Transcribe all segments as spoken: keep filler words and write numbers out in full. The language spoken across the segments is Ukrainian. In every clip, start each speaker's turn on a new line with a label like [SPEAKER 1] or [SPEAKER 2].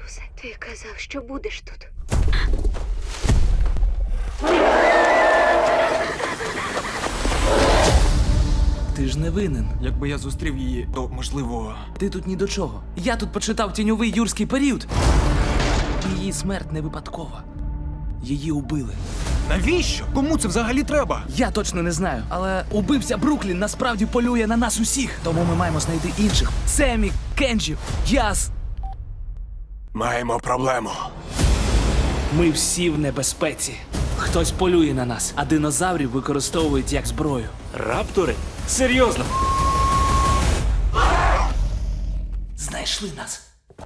[SPEAKER 1] Люсе, ти казав, що будеш тут.
[SPEAKER 2] Ти ж не винен.
[SPEAKER 3] Якби я зустрів її, то можливо.
[SPEAKER 2] Ти тут ні до чого. Я тут почитав тіньовий юрський період. Її смерть не випадкова. Її убили.
[SPEAKER 3] Навіщо? Кому це взагалі треба?
[SPEAKER 2] Я точно не знаю, але убивця Бруклін насправді полює на нас усіх. Тому ми маємо знайти інших. Семі, Кенджі, Яс.
[SPEAKER 3] Маємо проблему.
[SPEAKER 2] Ми всі в небезпеці. Хтось полює на нас, а динозаврів використовують як зброю.
[SPEAKER 4] Раптори? Серйозно?
[SPEAKER 2] Знайшли нас.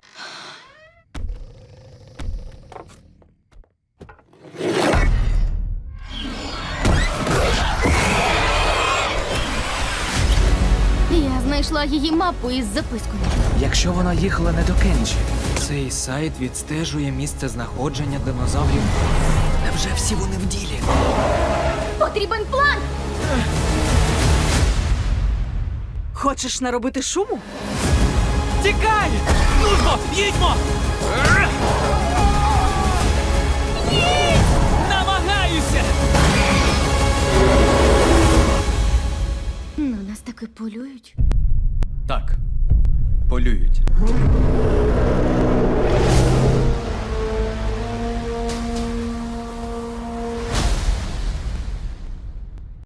[SPEAKER 5] Я знайшла її мапу із запискою.
[SPEAKER 2] Якщо вона їхала не до Кенджі,
[SPEAKER 3] Цей сайт відстежує місце знаходження динозаврів. Невже всі вони в ділі?
[SPEAKER 5] Потрібен план!
[SPEAKER 6] Хочеш наробити шуму?
[SPEAKER 2] тікай! Нудьмо! Їдьмо! Намагаюся!
[SPEAKER 5] На нас таки полюють.
[SPEAKER 3] Так. Полюють.